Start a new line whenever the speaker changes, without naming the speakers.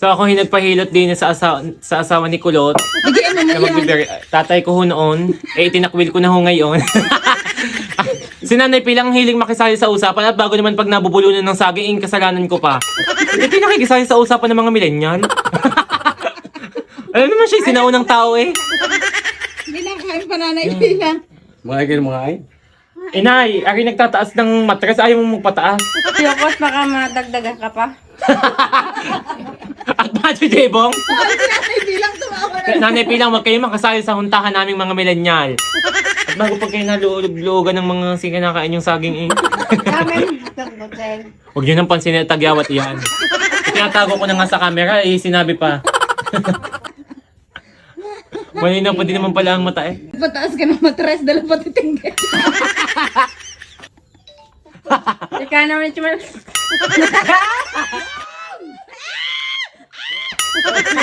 So ako hinagpahilot din sa asawa ni Kulot.
Bigyan mo
Na tatay ko ho noon, itinakwil ko na ho ngayon. Si Nanay Pilang hiling makisali sa usapan at bago naman pag nabubulunan ng saging, kasalanan ko pa. Hindi nakikisali sa usapan ng mga millennial. Alam naman siya, sinaunang tao eh.
Hindi na kain pa Nanay Pilang.
Mga kayo mga ay.
Inay, ari nagtataas ng matres, ayaw mo magpataas.
Yokot, baka madagdagan ka pa.
At Macho Jebong,
Nanay Pilang tumawa na.
Nanay Pilang, wag kayo makasali sa huntahan naming mga millennial. At bago pag kayo nalulog-lugan ng mga sinakain yung saging eh.
Kami, tagbutel.
Huwag nyo nang pansin na tagyawat yan. Tinatago ko na nga sa camera, eh sinabi pa. Malinaw pa din naman pala ang mata eh.
Pataas ka ng matres, dala pati tinggay.
Ika naman, Chumel.